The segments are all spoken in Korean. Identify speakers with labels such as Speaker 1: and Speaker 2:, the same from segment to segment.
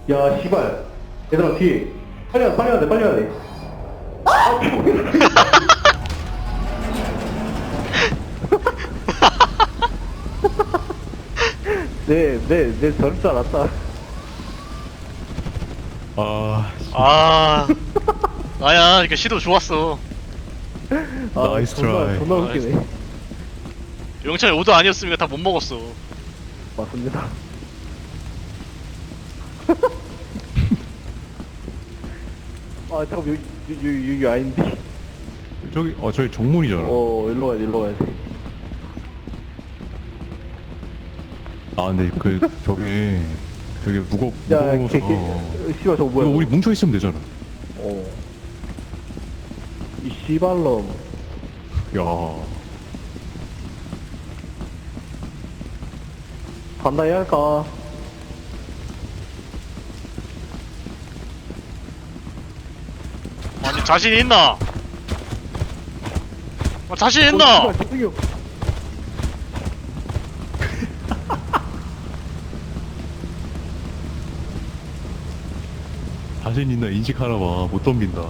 Speaker 1: 야 씨발 얘들아 뒤에 빨리 와야 돼 빨리 와야 돼. 내 저럴 줄 알았다.
Speaker 2: 아, 아야, 그러니까 시도 좋았어.
Speaker 3: 나이스 트라이.
Speaker 1: 존나 웃기네.
Speaker 2: 영찬이 오도 아니었으면 다 못 먹었어.
Speaker 1: 맞습니다. 아 잠깐 여기 아닌데.
Speaker 3: 저기 정문이잖아.
Speaker 1: 일로 가야 돼 일로 가야 돼.
Speaker 3: 근데 저기
Speaker 1: 야
Speaker 3: 무거워서.
Speaker 1: 씨발 저거 뭐야?
Speaker 3: 이거 우리 뭉쳐 있으면 되잖아.
Speaker 1: 이 씨발놈.
Speaker 3: 야.
Speaker 1: 간다 해야 할까?
Speaker 2: 아니, 자신 있나? 자신 있나?
Speaker 1: 씨발, 저기요.
Speaker 3: 자신 있나 인식하나 봐. 못 덤빈다.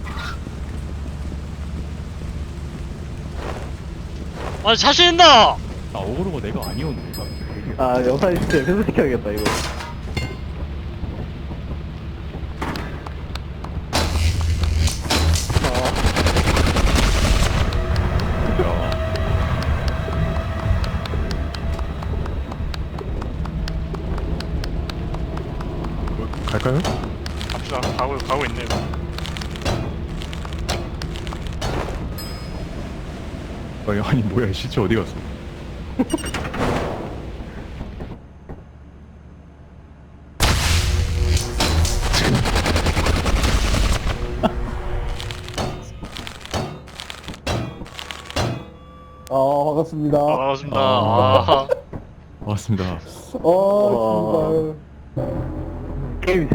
Speaker 2: 아니, 자신 있나?
Speaker 3: 어그로가 내가 아니었네.
Speaker 1: 영상이 진짜 회수시켜야겠다 이거.
Speaker 3: 야. 갈까요?
Speaker 2: 갑시다. 가고 있네.
Speaker 3: 아니 뭐야 시체 어디 갔어?
Speaker 1: 반갑습니다.
Speaker 2: 반갑습니다. 아.
Speaker 3: 맞습니다.
Speaker 1: 게임